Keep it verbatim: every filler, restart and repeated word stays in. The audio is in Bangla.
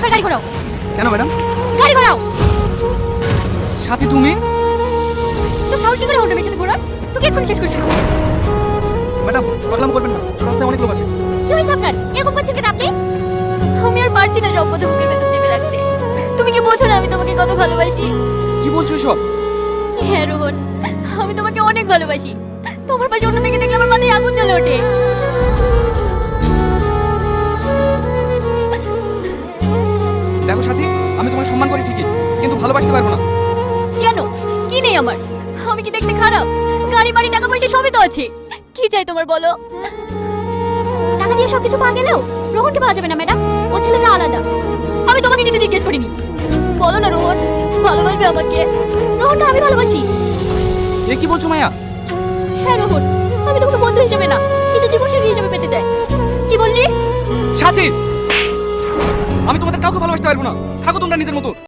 ড্রাইভার গাড়ি ঘোরাও। কেন ম্যাডাম? গাড়ি ঘোরাও। সাথী তুমি? তো সাউন্ড কি করে হলো মেয়ের সাথে ঘোরার? তোকে এক্ষুনি শেষ করে দেব। ম্যাডাম পাগলামো করবেন না, রাস্তায় অনেক লোক আছে। কি হয়েছে আপনার? এরকম করছেন কেন আপনি? আমি আর পারছি না সব কথা বুকের ভেতর চেপে রাখতে। তুমি কি বোঝো না আমি তোমাকে কত ভালোবাসি? কি বলছো এসব? হ্যাঁ রোহন, আমি তোমাকে অনেক ভালোবাসি। তোমার পাশে অন্য মেয়েকে দেখলে আমার মাথায় আগুন জ্বলে ওঠে। দেখো সাথী, আমি তোমাকে সম্মান করি ঠিকই, কিন্তু ভালোবাসতে পারবো না। কেন? কি নেই আমার? আমি কি দেখতে খারাপ? গাড়ি বাড়ি টাকা পয়সা সবই তো আছে। কি চাই তোমার বলো? টাকা দিয়ে সবকিছু পাওয়া গেলেও রোহনকে পাওয়া যাবে না ম্যাডাম। ও ছেলেটা আলাদা। আমি তোমাকে কিছু জিজ্ঞেস করিনি। বলো না রোহন, ভালোবাসবে আমাকে? রোহনকে আমি ভালোবাসি। এ কি বলছো মায়া? হ্যাঁ রোহন, আমি তোমাকে বন্ধু হিসেবে না, কিছু জীবনসঙ্গী হিসেবে পেতে চাই। কি বললি? সাথী, আমি তোমাদের কাউকে ভালোবাসতে পারবো না। থাকো তোমরা নিজের মতো।